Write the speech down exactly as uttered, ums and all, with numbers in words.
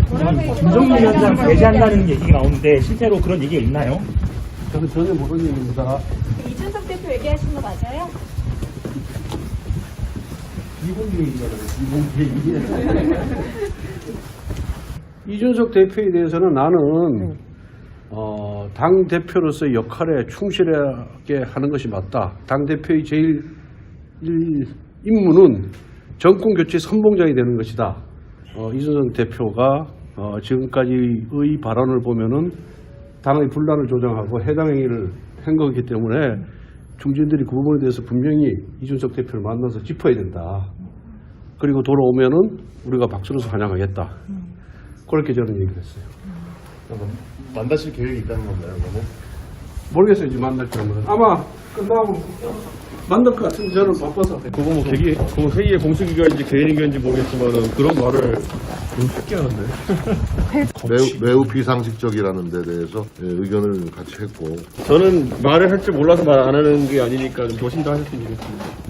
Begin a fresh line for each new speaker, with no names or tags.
김종민 위원장 배제한다는 얘기가 나오는데 실제로 그런 얘기가 있나요?
저는 전혀 모르는 얘기입니다.
이준석 대표 얘기하신 거 맞아요?
이공계 얘기잖아요. 이공계 얘기. 이준석 대표에 대해서는 나는 어, 당 대표로서의 역할에 충실하게 하는 것이 맞다. 당 대표의 제일 일, 임무는 정권 교체 선봉장이 되는 것이다. 어, 이준석 대표가 어, 지금까지의 발언을 보면은 당의 분란을 조장하고 해당 행위를 한 거기 때문에 중진들이 그 부분에 대해서 분명히 이준석 대표를 만나서 짚어야 된다. 그리고 돌아오면은 우리가 박수로 환영하겠다. 그렇게 저는 얘기를 했어요.
만나실 계획이 있다는 건가요, 그러면?
모르겠어요, 이제 만날 줄은. 아마 끝나고 만날 것 같은데 저는 바빠서.
그거 뭐 계기, 그거 회의의 공식 의견인지 개인 의견인지 모르겠지만은 그런 말을 너무 쉽게 하는데.
매우, 매우 비상식적이라는 데 대해서 예, 의견을 같이 했고
저는 말을 할 줄 몰라서 말 안 하는 게 아니니까 좀 조심도 하셨으면 좋겠습니다.